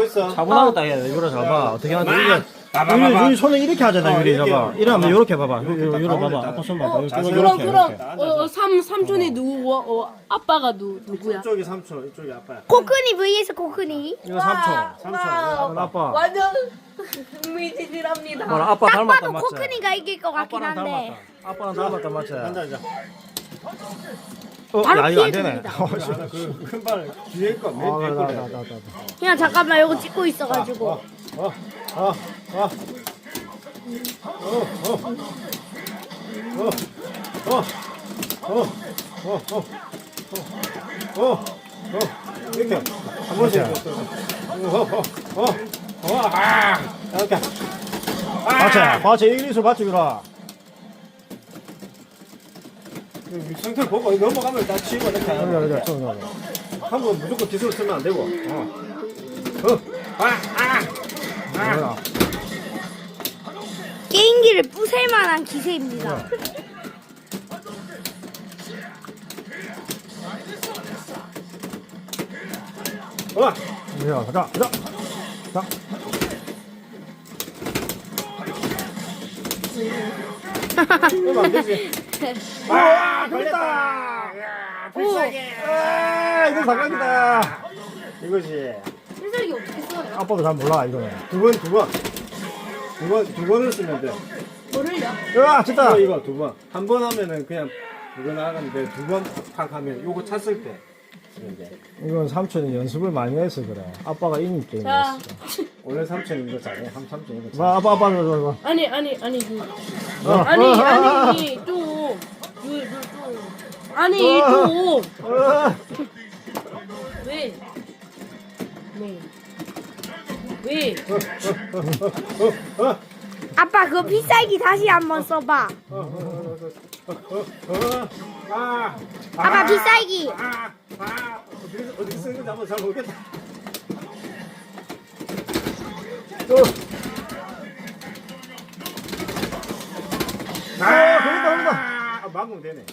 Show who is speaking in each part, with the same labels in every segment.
Speaker 1: 됐어.
Speaker 2: 차분하게 딱 해야 돼. 이거를 잡아. 어떻게 하는지 이게.
Speaker 1: 봐봐.
Speaker 2: 유리 손을 이렇게 하잖아. 유리
Speaker 1: 이렇게
Speaker 2: 잡아.
Speaker 1: 해요.
Speaker 2: 이러면 이렇게 봐봐.
Speaker 1: 이렇게
Speaker 2: 유리
Speaker 1: 딱
Speaker 2: 봐봐.
Speaker 1: 가운데
Speaker 2: 아빠 손 봐봐.
Speaker 1: 딱.
Speaker 2: 이렇게
Speaker 1: 그럼,
Speaker 2: 이렇게.
Speaker 3: 삼촌이 누구고? 아빠가 누구야?
Speaker 1: 이쪽이 삼촌, 이쪽이 아빠야.
Speaker 4: 코크니 vs 코크니.
Speaker 2: 이거 삼촌.
Speaker 1: 삼촌.
Speaker 2: 이건 아빠.
Speaker 3: 완전 흥미진진합니다.
Speaker 2: 뭐라 아빠 닮았다
Speaker 4: 아빠도
Speaker 2: 맞지?
Speaker 4: 코크니가 이길 것 같긴
Speaker 2: 아빠랑
Speaker 4: 한데.
Speaker 2: 닮았다. 아빠랑 닮았다 맞지?
Speaker 1: 앉아.
Speaker 4: 바로
Speaker 2: 야 이거 안 되네.
Speaker 4: 피해줍니다.
Speaker 1: 큰 발 뒤에 거, 맨 뒤에 거.
Speaker 4: 그냥 잠깐만 이거 찍고 있어가지고.
Speaker 1: 이렇게 한 번씩 이렇게. 이렇게.
Speaker 2: 맞지? 이리수 맞지 유라.
Speaker 1: 상태를 보고 넘어가면 다 치고 이렇게 하는
Speaker 2: 그래.
Speaker 1: 거야. 한번 무조건 기술을 쓰면 안 되고.
Speaker 4: 게임기를 부술 만한 기세입니다.
Speaker 2: 야, 가자. 자.
Speaker 1: 그러면 안 되지. 걸렸다. 필살기.
Speaker 2: 이거 사각이다.
Speaker 1: 이거지.
Speaker 3: 필살기 어떻게 써요?
Speaker 2: 아빠도 잘 몰라 이거는.
Speaker 1: 두 번을 쓰면 돼.
Speaker 3: 뭐를요?
Speaker 2: 됐다.
Speaker 1: 이거 두 번. 한 번 하면은 그냥 이거 나가는데 두 번 탁 하면 요거 찼을 때. 이제
Speaker 2: 이건 삼촌이 연습을 많이 해서 그래. 아빠가 이긴
Speaker 3: 자,
Speaker 2: 게임이었어.
Speaker 1: 원래 삼촌 이거 잘해. 삼촌 이거 잘해.
Speaker 2: 봐, 아빠 줘.
Speaker 3: 아니 좀 아니 좀 왜? 왜?
Speaker 4: 아빠 그거 필살기 다시 한번 써봐. 아빠 필살기.
Speaker 1: 어떻게 쓰는 건지 한번 잘 모르겠다. 걸린다. 막으면 되네.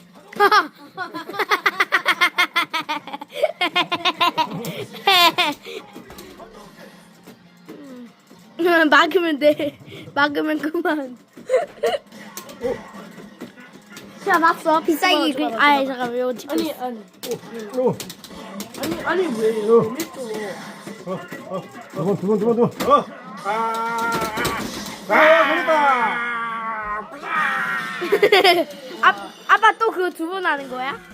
Speaker 4: 막으면 돼. 막으면 그만. 자, 막어. 필살기.
Speaker 3: 좋아.
Speaker 4: 아이, 잠깐만. 이거 찍고.
Speaker 3: 아니 왜?
Speaker 2: 두 번.
Speaker 1: 걸렸다.
Speaker 4: 아빠 또 그거 두 번 하는 거야?